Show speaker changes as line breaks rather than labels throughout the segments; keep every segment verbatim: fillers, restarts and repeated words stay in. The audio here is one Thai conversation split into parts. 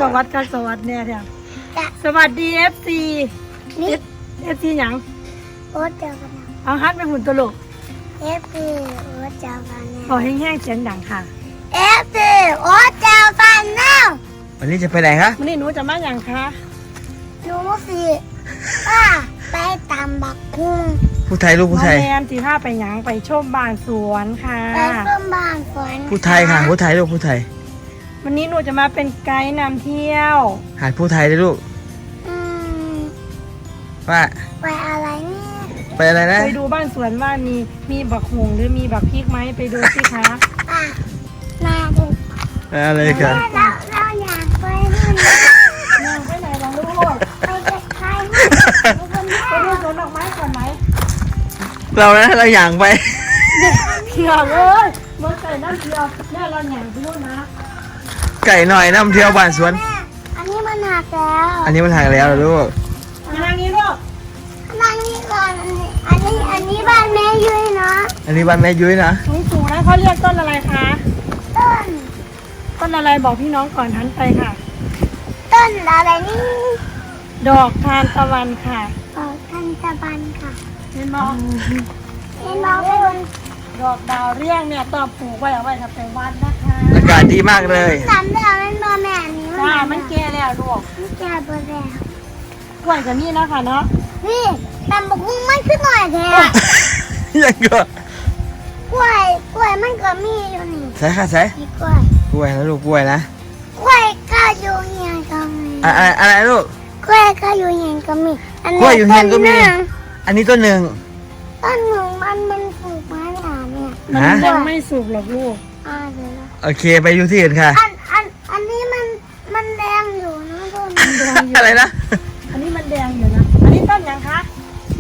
วัสดีสวัสดีเนี่ยเดี๋ยวสวัสดีเอฟซีเอฟซีหยัง
โอ๊ตเจ้ากันนะ
เอาฮัทไปหุ่นตัวลูก
เอฟซีโอ๊ตเจ้ากันนะ
ขอแห้งๆเสียงดังค่ะ
เอฟซีโอ๊ตเจ้ากันนะ
วันนี้จะไปไหนคะ
วันนี้หนูจะมาอย่างคะ
หนูสิป้าไปตามบักคุ้ง
ผู้ไทยลูกผู้ไทย
แมนสีผ้าไปหยังไปชมบ้านสวนค่ะ
ไปชมบ้านสวน
ผู้ไทยค่ะผู้ไทยลูกผู้ไทย
วันนี้หนูจะมาเป็นไกด์นำเที่ยว
หาดผู้ไทยเลยลูก
อืม
ว่า
ไปอะไรเนี่ย
ไปอะไรนะ
ไปดูบ้านสวนว่ามีมีบักหงหรือมีบักพริกไหมไปดูสิคะ
อ่ะมาดู
อะไรกัน
เราเราอยากไปนู่น
อยากไปไหนล่ะลูก
ไปเด็กไทย
ไปดูสวนดอกไม้ก่อนไหม
เรานะเราอย่างไป
เที่ยวเลยเมื่อไก่น้ำเที่ยวแม่เราอย่างไปดูนะ
ไก่หน่อยน้ำเที่ยวบ้านสวน
อันนี้มันหักแล้ว
อันนี้มันหักแล้วเหรอลูก
มาทางนี้ลูก
นั่งนี่ก่อนอันนี้อันนี้บ้านแม่ยุ้ยนะ
อันนี้บ้านแม่ยุ้ยนะ
สูงสูงนะเขาเรียกต้นอะไรคะ
ต้น
ต้นอะไรบอกพี่น้องก่อนทันไปค่ะ
ต้นอะไรนี่
ดอกทานตะวันค่ะ
ดอกทานตะวันค่ะ
เห็นมอง
เห็นมองไม่รู้
ดอกดาวเรี่ยงเนี่ยต้องปลูกไว้เอาไว้ทำเป็นวัดนะคะ
อากาศดีมากเลย
สามเดือนมันบอแม่นี่
จ้ามันแก่แล้วลูก
มันแก่บอแล้ว
กล้วยกับนี่นะคะเนาะ
นี่ตำบักหุ่งมันขึ้นหน่อยแท้
ยังก็
กล้วยกล้วยมันก็มีอยู่นี่
ใช่ค่ะใช่
กล้วย
กล้วยนะลูกกล้วยนะ
กล้วยก็อยู่เฮียนก็มี
อะไรอะไรลูก
กล้วยก็อยู่เฮียนก็มี
กล้วยอยู่เฮียนก็มีอันนี้ต้นหนึ่ง
ต้นหนึ่งมันมันปลูกไม้หนาเนี่ย
มันยังไม่สุกหรอกลูก
อ่าเดี๋ยว
โอเคไปอยู่ที่อื่นค่ะ
อันอันอันนี้มันมันแดงอยู่นะต้น
อะไรนะ
อันนี้มันแดงอยู่นะอันนี้ต้นยังคะ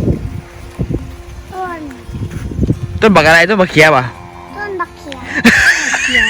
ต้น
ต้นบักอะไรต้นบักเขียป่ะ
ต้นบักเขีย
เขีย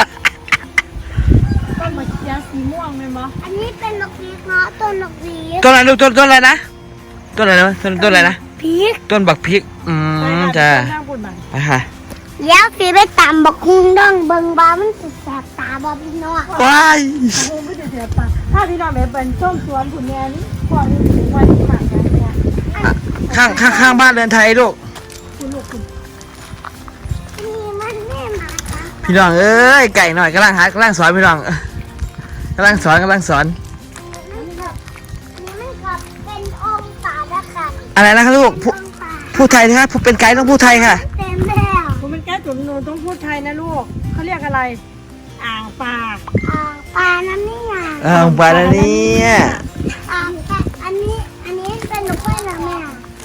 ต้นบักเขียสีม่วงไหมมั้
อันนี้เป็นบักพีกเนาะต้นบักพีก
ต้นอะไรลูกต้นต้นอะไรนะต้นอะไรนะต้นต้นอะไรนะ
พีก
ต้นบักพริกอืมจ้าไปค่ะ
แล้วสีไปตำบักฮุงดองเบิ่งบ้ามันสุดแสบตาบ่พี่น้อง
ว้าย
โอ้ไม่ได้แสบตาถ้าพี่น้องแบบเป็นส้มสวนผุนแม่นี่ก่อนนี่ถึงวันที่หมากกันเนี่ย
ข้างข้างข้างบ้านเรือนไทยลูก
คุณลูกคุณ
นี่มันแม่หมาค่ะ
พี่น้องเอ้ยไก่หน่อยกำลังหากำลังสอนพี่น้องกำลังสอนกำลังสอน
นี่มันกับเป็นองศาละค่ะ
อะไรนะครับลูกผู้ไทยนะครับผู้เป็นไกด์ต้องผู้ไทยค่ะ
เต็มแล้ว
ผมเป็นแก้จุ๋มหนูต้องพูดไทยนะลูกเขาเรียกอะไรอ่างปลา
อ่างปลาน้ำนี่อ่ะ
อ่างปลาแล้วเนี่ย
อ่างปลาอันนี้อันนี้เป็นนกไม้นะแม่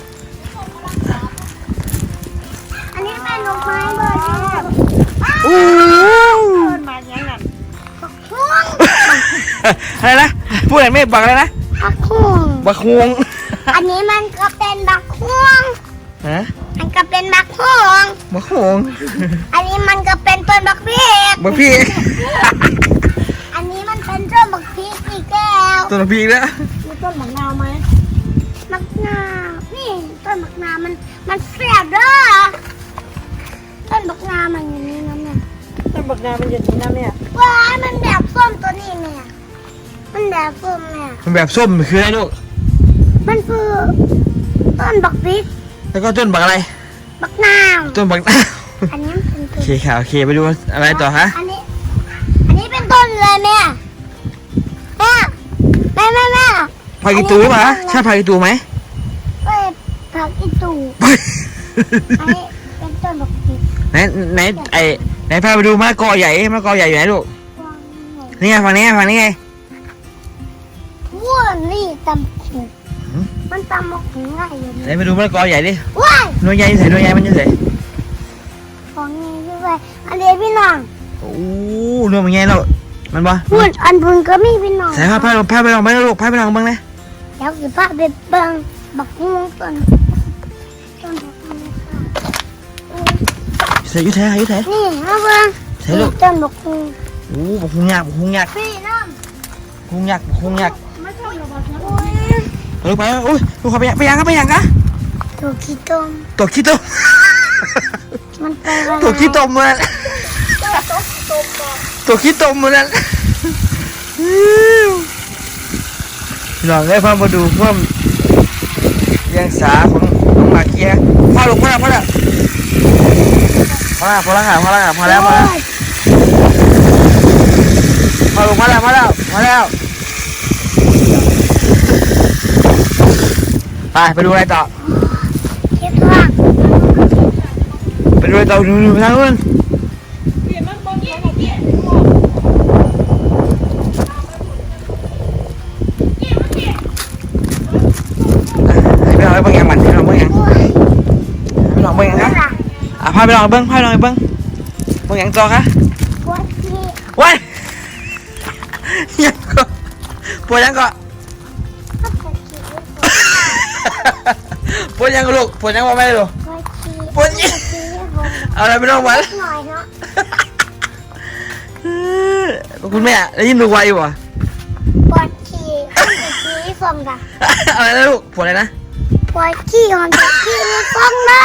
อันนี้เป็นนกไม้เบอร์ที่
โอ้
เปิดมาอย่างนั้น
บักฮวง
อะไรนะพูดอะไรไม่บอกอะไรนะ
บักฮวง
บักฮวง
อันนี้มันก็เป็นบักฮวง
ฮะ
มันก็เป็นบักฮวง
บักฮวง
อันนี้มันก็เป็นต้นบักพริก
บักพริก
อันนี้มันเป็นต้นบักพริกอีกแล้ว
ต้นบักพริกแล้ว
มีต้นมะนาวไหม
มะนาวนี่ต้นมะนาวมันมันแซ่บเด้อต้นมะนาวมันอย่างนี้นะแม่
ต้นมะนาวมันอย่างนี้นะแม่
ว้ายมันแบบส้มตัวนี้แม่มันแบบส้มแม่
มันแบบส้มคืออะไรลูก
มันคือต้นบักพริก
แล้วก็ต้นบักอะไร
บักนาว
ต้นบักนาว
อันนี้เป็น
โอเคค่ะโอเคไปดูอะไรต่อฮะ
อันนี้อันนี้เป็นต้นเลยแม่แม่แม่แม่แม่
ผักอีตูป่ะใช่ผักอีตูไหม
เอ้ยผักอีตูอันนี้เป็นต้นบักพริก
ไหนไหนไอไหนพาไปดูมะละกอใหญ่มะละกอใหญ่อยู่ไหนลูกนี่ไงฝั่งนี้ฝั่งนี้ไง
ว้านี่ตำหูมันตำหูง่ายอยู่
ไหนไปดูมะละกอใหญ่ดิ
ว้าย
หน่วยใหญ่ใส่หน่วยใหญ่มันจะใส่
ของนี้ด้วยอันเดียวพี่น้อง
โอ้หน่วยมันใหญ่แล้วมันบ่
พูดอันบุญก็มีพี่น้อง
ใส่ผ้าผ้าผ้าไปลองไปลูกผ้าไปลองบ้างเลย
เดี๋ยวสิผ้าไปเบิ่งบักฮุงต้นต้นบักฮุง
ใส่ยุ่ยแท้ยุ่ยแท้
นี่มาเบิ่ง
ใส่ลูก
ต้นบักฮุง
โอ้บักฮุงยักษ์บักฮุงยักษ์
พี่น้อง
ฮุงยักษ์ฮุงยักษ์
ไม่ชอบหรอกบอ
ไป
ส
ลูกไปโอ้ยลูกเขาไปยังไปยังครับไปยังกะ
ตัวขี้ต้ม
ตัวขี้ต้ม
มันไป
ตัวขี้ต้มมันตัวขี้ต้มมันพี่น้องได้พามาดูเพิ่มเลี้ยงสาของของหมาเกียร์พ่อลูกพ่อแล้วพ่อแล้วพ่อแล้วพ่อแล้วพ่อแล้วพ่อแล้วพ่อแล้วพ่อลูกพ่อแล้วพ่อแล้วพ่อแล้วไปไปดูอะไรต่อ
เก็บตัว
ไปดูอะไรต่อดูดูทางนู้นให้ไปลองไปเบิ่งยังมันไปลองเบิ่งยังไปลองเบิ่งยังคะอ่ะพาไปลองเบิ่งพาไปลองเบิ่งเบิ่งยังต่อคะ
ปวดขี้
ว้ายยังก็ปวดยังก็
ปวดขี้
ปวดยังก็ลูกปวดยังว่าไม่ได้ลูก
ปวดขี้
ปวดยัง
ขี้ผม
เอาอะไรไปลองวัน
หน่อยเนาะ
คุณแม่ได้ยินดูไวอยู่อ่ะ
ปวดขี้ปวดขี้ผมจ้ะ
อะไรนะลูกปวดอะไรนะ
ปวดขี้ของเด็กขี้ในฟองนะ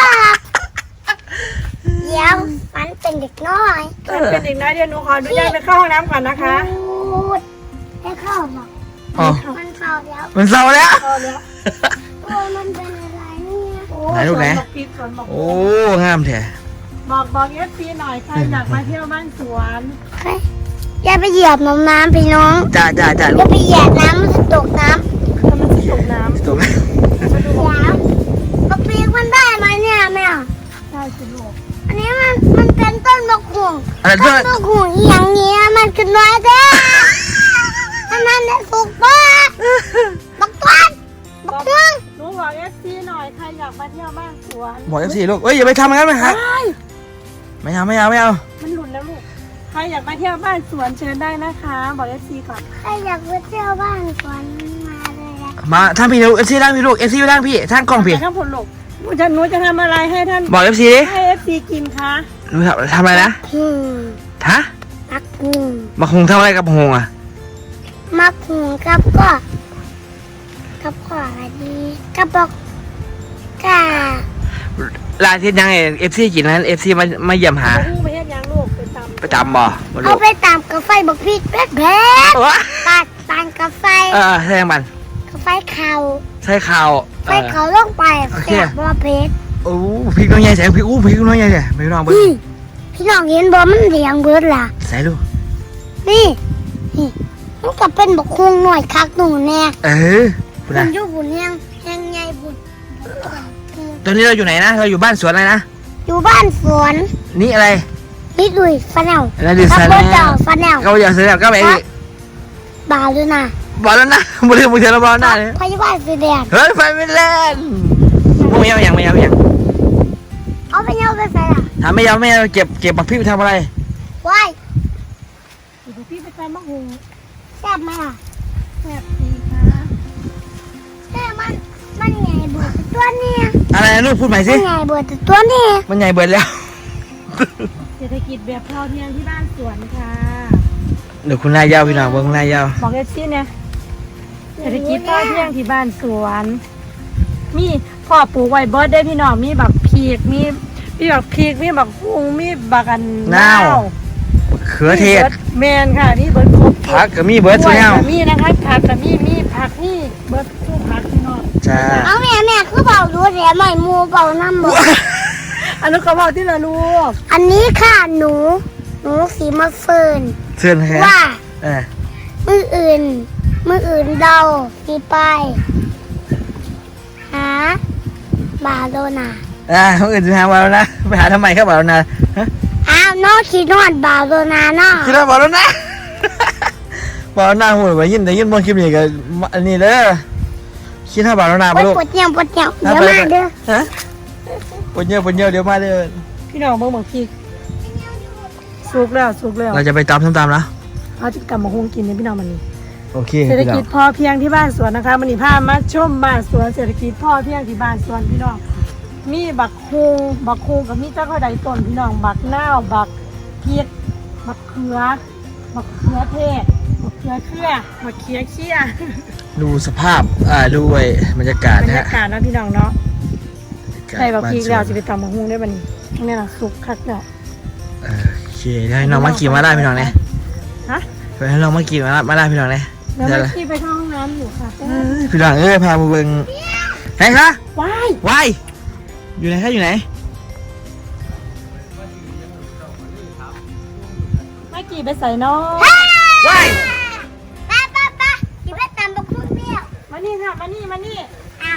เดี๋ยวมันเป็นเด็กน้อย
มันเป็นเด็กน้อยเดี๋ยวหนูขออนุญาตไปเข้าห้องน้ำก่อนนะคะ
พูดได้เข้าหรอ
อ๋อ
มันเข้าแล้ว
มันเศร้าแล้ว
เข้าแล้ว
โอ้มันเป็นอะไรเนี่ย
โอ้
ไหนลูกไหน
สวนบอกพีสวนบอก
โอ้งามแท้
บอกบอกเอฟซีหน่อยใครอยากมาเที่ยวบ้านสวน
เฮ้ยอย่าไปเหยียบน้ำน้ำพี่น้อง
จ้าจ้าจ้า
อ
ลู
ย่าก ไปเหยียบน้ำมันจะตกน้ำ
ถ้ามันจะตกน้
ตกไหม
ำมาดู
แล้วกระปีกมันได้ไหมเนี่ยแม่
ได้สิลูก
อันนี้มันมันเป็นต้นมะขุ่ง
อะไร
ต้
ต้
น
น
มะขุ่งอีหยังเงี้ยมันคือน้อยแท้อันนั้นเนี่ยถูกปะบักต้นบักต้น
หนูบอกเอฟซีหน่อยใครอยากมาเที่ยวบ้านสวน
บอกเอฟซีลูกเอ้ยอย่าไปทำอย่างนั้นไหมครับ
ใช่
ไม่เอาไม่เอาไม่เอา
มันหลุดแล้วลูกใครอยากมาเที่ยวบ้านสวนเชิญได้นะคะ บอกเอฟซีก่อน
ใครอยากไปเที่ยวบ้านสวนมาเลยอะ
มาท่านพี่ลูกเอฟซีร่างพี่ลูกเอฟซีร่างพี่ท่านกล้องพี่
ไปข้างผลลูกหนูจะหนูจะทำอะไรให้ท่าน
บอกเอฟซีดิ
ให้เอฟซีกินคะ
หนูทำทำอะไรนะ
หืม
ฮะ
มักหุง
มาคงทำอะไรกับหงอ่ะ
มักหุงกับก็กับก็อะไรดีกับบอกกา
ลายที่ยังเอฟซีกินนั้นเอฟซีมามาเยี่ยมหา
เอาหูไปเฮ็ดหยังลูกไปตำ
ประจำบ่มาลู
เอา
ก
ไปตามกาแฟบักพีดแป๊ดแป๊ด
วะ
ตัดตานกาแฟ
เออใช่ยังมัน
กาแฟขาว
ใช่ข่าว
ไฟเขาลงไป
โอเค
แซ่บบ่เพชร
โอ้พี่น้องใหญ่แสงพี่อู้พี่น้องใหญ่แสงพี่น้องเบิ้ง
นี่พี่น้องเห็นบ่มันเหลียงเบิดล่ะ
ใส่ดู
นี่นี่มันก็เป็นบักคุงหน่อยคักหนูแน่
เออคุณ
มั
นะ
นอยู่บุญยังยังไงบุญ
ตอนนี้เราอยู่ไหนนะเราอยู่บ้านสวนอะไรนะ
อยู่บ้านสวน
นี่อะไร
นี่ดุยฟันแนว
อะไรดิ
กั
สัน
โบ
แล้
เจ้าว ฟันแนว
เขาอยากเสียก็ไปดิ
บาวด้วยนะ
บอกแล้วนะมือถือมือถือเราบอกหน้าเลย
พยาบาลสีแดง
เฮ้ยไฟไม่เล่นไม่เอาอย่างไม่เอาอย่าง
เอาไปเอาไปใส่ล่ะ
ถามไม่เอาไม่เอาเก็บเก็บบักพี่ไปทำอะไร
ว้าย
เดี๋ยวพี่ไปตำมะฮุง
แซ่บไหมล่ะ
แซ่บดีค่ะ
แซ่บมันมันใหญ่เบิดแต่ตัวนี้
อะไรนะลูกพูดใหม่
มั
สิ
นใหญ่เบิดแต่ตัวนี้
มันใหญ่เบิดแล้ว
เศรษฐกิจแบบพอเพียงที่บ้านสวนค่ะ
เดี๋ยวคุณนายยาวพี่น้องเบิ้งคุณนายยาว
บอกเอฟซีเนี่ยเศรษฐกิจพอเพียงที่บ้านสวน มีพ่อปลูกไว้เบิร์ดได้พี่น้องมีบักพีกมีมีบักพีกมีบักฮุงมีบักอัน
นาวเขือเทศ
มีบิดแมนค่ะมีเบิร์ดครบ
ผักก็มีเบิร์ดสุด
กล้วย
แล้ว
ก็มีนะคะผักก็มีมีผักนี่เบิร์ดทุกผักพี่น้อง
จ้า
เอาแม่แม่คือเบาดูแถมใหม่มูเบาน้ำบ่
อันนั้นเขาบอกที่ละลูก
อันนี้ค่ะหนู หนูสีมะเฟิร์น
เชิญครับ
ว่า
เออ
มืออื่น มืออื่นเดาสีไปหาบาโลนา
อ่าคนอื่นจะหาบอลแล้วนะไปหาทำไมครับบอลแล้วนะฮะ
อ้าวน้องขีนอดบาโลนาเนาะ
คิดว่าบอลแล้วนะ บอลหน้าหูไปยินแต่ยินบอลคลิปนี้ก็อันนี้เด้อคิดว่าบอลแล้วนะ
ปวด
ลูก
ปวดเหี่ยวปวดเหี่ยวเดี๋ยวมาเด้อ
ฮะปนเยอะปนเยอะเดี๋ยวมาเด้อ
พี่น้องเบิ่งบักพีกสุกแล้วสุกแล้ว
เราจะไปตามส้มตำแล้ว
เอาจะกลับมาฮุงกินเนี่ยพี่น้องมันนี่
โอเค
เศรษฐ
พี่น้อ
กิ
ง
จพอเพียงที่บ้านสวนนะคะมันนี่พามาชมบ้านสวนเศรษฐกิจพอเพียงที่บ้านสวนพี่น้องมีบักฮุงบักฮุงกับมีเจ้าข้าวใดต้นพี่น้องบักนาวบักเพียกบักเขือบักเขือเทศบักเขือเครือบักเขียเขี้ย
ดูสภาพอ่าดูไอ้บรรยากาศ
บร
นะ
ร
ฮะ
ยากาศนะพี่น้องเนาะ
บรรยากาศ
ใส่บักพีกแล้ว
บ้านส
จะ
วน
ไปตำบักฮุงได้บัดนี้นี่ล่ะสุกคักแล้ว
เออโอเคได้น้องมาขี่มาได้พี่น้องเนี่ย
ฮะ
ไปให้น้องมากินมาละมาละพี่น้องเลย
เดี๋ยวเมื่อกี้ไปเข้าห้องน้ำอยู่ค่ะ
เอ้ยพี่น้องเอ้ยพามาเบิ่งไหนคะ
ว้าย
วายอยู่ไหนคะอยู่ไหน
เมื่อกี้ไปใส่น้อง
วาย
ป้าป้าป้าอย่าไปตามบักพุ่งเบี้ยว
มานี่ค่ะมานี่มานี่
อ้าว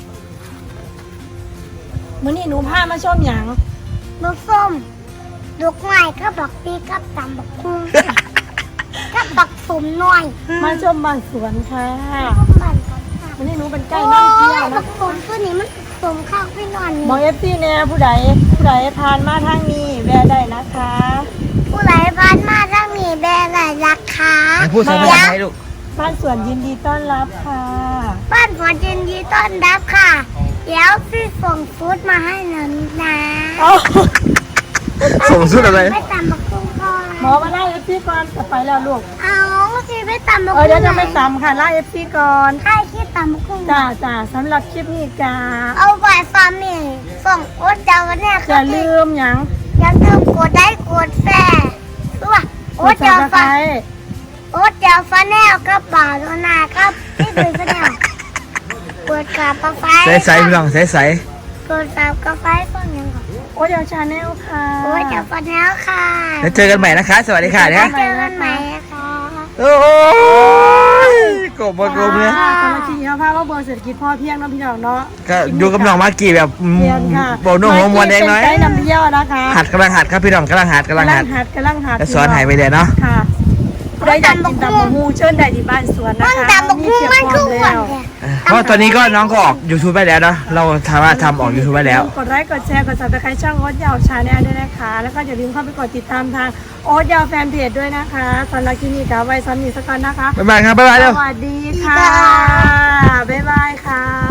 มื้อนี้หนูพามาชมหยัง
บักส้มลูกไม้ก็บักปีกับตามบักพุ่งกับบักสมหน่อย
มาชมบ้านสวนค่ะ
พวกมันกันค่ะ
มื้อนี้หนูเป็นไก่น้ำเที่ยว
บั
นะ
กสมตัวนี้มันสมข้าวไปนอน
บอก
นี่
เอฟซีแน่ผู้ใดผู้ใดผ่านมาทางนี้แวะได้นะคะ
ผู้ไหลบ้านมาถ้ามีแบรนด์ไหนราคา
ไหนพูดภาษาไทยลูก
บ้านสวนยินดีต้อนรับค่ะ
บ้านฝนยินดีต้อนรับค่ะ เดี๋ยวพี่ส่งฟูดมาให้หนูนะ
เอ้า
ส่งสุดอะไร
ไม่ตามบักพุ่งก่อน
หมอมาไล่เอฟซีก่อนจะไปแล้วลูก
เอาสิไม่ตามบัก
เออ
พุ่ง
เดี๋ยวจะไม่ตำค่ะไล่เอฟซีก่อน
ใครคิดตามบักพุ่ง
จ้าจ้าสำหรับคลิปนี้จ้า
เอาไว้ฟาร์มนี่ส่งโอ๊ตเจ้าวันนี้
อย่าลืมหยัง
อย่าลืมกดไลค์กดแชร์ตัวโอ๊ต
ก
เจ้า
ด
ฟา
Subscribe
โอ๊ตเจ้าฟาแนลกับบ่าวโดนาครับที่ดูฟาแนลกดกระเป๋าไฟ
ใสใสพี่น้องใสใส
กดกระเป๋าไฟฟังยังก่อน
โอ้ยเดี๋ยวชาแนลค่ะ
โอ๊ตเจ้าฟาแนลค่ะ
แล้วเจอกันใหม่นะคะ สวัสดีค่ะเนี่ย
เจอกันใหม่ค่ะ
โอ้ยกบมากบเลย
ค่ะสำหรับคลิปนี้เราพาเราเบอร์เศรษฐกิจพอเพียงเนาะพี่น้องเนาะ
ก็อยู่กับน้องมากกี้แบบอืม
เพียงค่ะ
โบนุ่งหัวมวนเองน้อย
เป็นไกด์นำเที่ยวนะคะ
หัดกำลังหัดครับพี่น้องกำลังหัดกำลังหัด
หัดกำลังหัด
แล้วสอนหายไปเลยเนาะ
ค่ะได้อยากกินตำบักฮูเชิญได้ที่บ้านสวนนะ
มัน
คะ
ตามบักพุ่งมันคือหวาน
แล้ว
แท้
เพราะตอนนี้ก็น้องก็ออก YouTube ไปแล้วเนาะเราสามารถทำออก YouTube ไปแล้ว
กดไลค์กดแชร์กดซับสไครต์ช่องโอ๊ตยาวชาแนลด้วยนะคะ แล้วก็อย่าลืมเข้าไปกดติดตามทางโอ๊ตยาวแฟนเพจด้วยนะคะสำหรับคลิปนี้กับไว้ซ้ำอีกสักก่อนนะคะ
บ๊ายบายครับบ๊ายบายเร็ว
สวัสดีค่ะ บ๊ายบายค่ะ